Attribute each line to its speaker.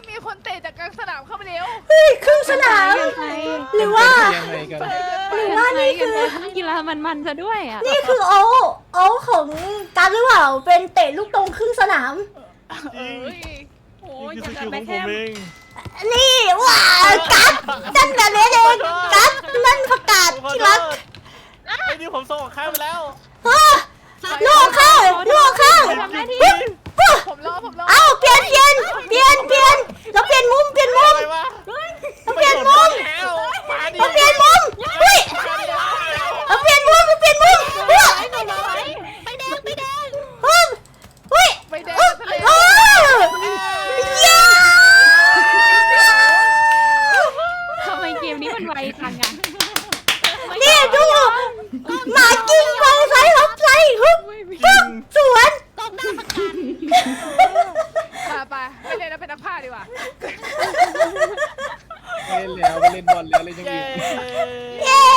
Speaker 1: มีคนเตะจากกลางสนามเข้าไปเร็ว
Speaker 2: เฮ้ยครึ่งสนามหรือว่า
Speaker 3: ยังไงกัน
Speaker 2: หรือว่านี่คือ
Speaker 4: กีฬามันๆซะด้วยอ่ะ
Speaker 2: นี่คือโอ้ของการหรือเปล่าเป็นเตะลูกตรงครึ่งสนาม
Speaker 1: เอ้ย
Speaker 4: โอ้ย
Speaker 5: นี่
Speaker 4: อ
Speaker 5: คื
Speaker 4: ย่า
Speaker 5: อง ส
Speaker 4: กั
Speaker 5: กิ
Speaker 4: บ
Speaker 5: ล
Speaker 4: แม่
Speaker 5: ของ
Speaker 4: แค
Speaker 5: ผม
Speaker 4: ม
Speaker 5: เอง
Speaker 2: นี่ว้ากัดนั่นแบบนี้เองกัดนั่นประกาศ
Speaker 5: ขอ
Speaker 2: ที่
Speaker 5: โท
Speaker 2: รัก
Speaker 5: ษไอ้นี่ผมส่งของข้ามไปแล้ว
Speaker 2: ลูกเข้าลูกเข้า
Speaker 4: ทำหน้าที่
Speaker 1: ผมรอ
Speaker 2: เอ้าเปลี่ยนเราเปลี่ยนมุม
Speaker 5: อะไรวะ
Speaker 2: เราเปลี่ยนมุม
Speaker 5: แล้วมาดิ
Speaker 2: เราเปลี่ยนมุมเฮ้ยเราเปลี่ยนมุมเฮ้ย
Speaker 4: ไปแดง
Speaker 2: เฮ้ย
Speaker 1: ไปแดง
Speaker 2: เฮ้ย
Speaker 1: ทะเล
Speaker 2: เย้
Speaker 4: ทำไมเกมนี้มันไวจังอ่ะ
Speaker 2: นี่ดูหมากิ้งมองซ้ายฮบซ้ายฮึบปึ๊บสวน
Speaker 1: ไปไปเล่นแล้วเป็นนักพากย์ดีกว่า
Speaker 3: ไม่เล่นแล้วไม่เล่นบอลแล้วเล่นยัง
Speaker 5: เย้
Speaker 3: อีก
Speaker 2: เย้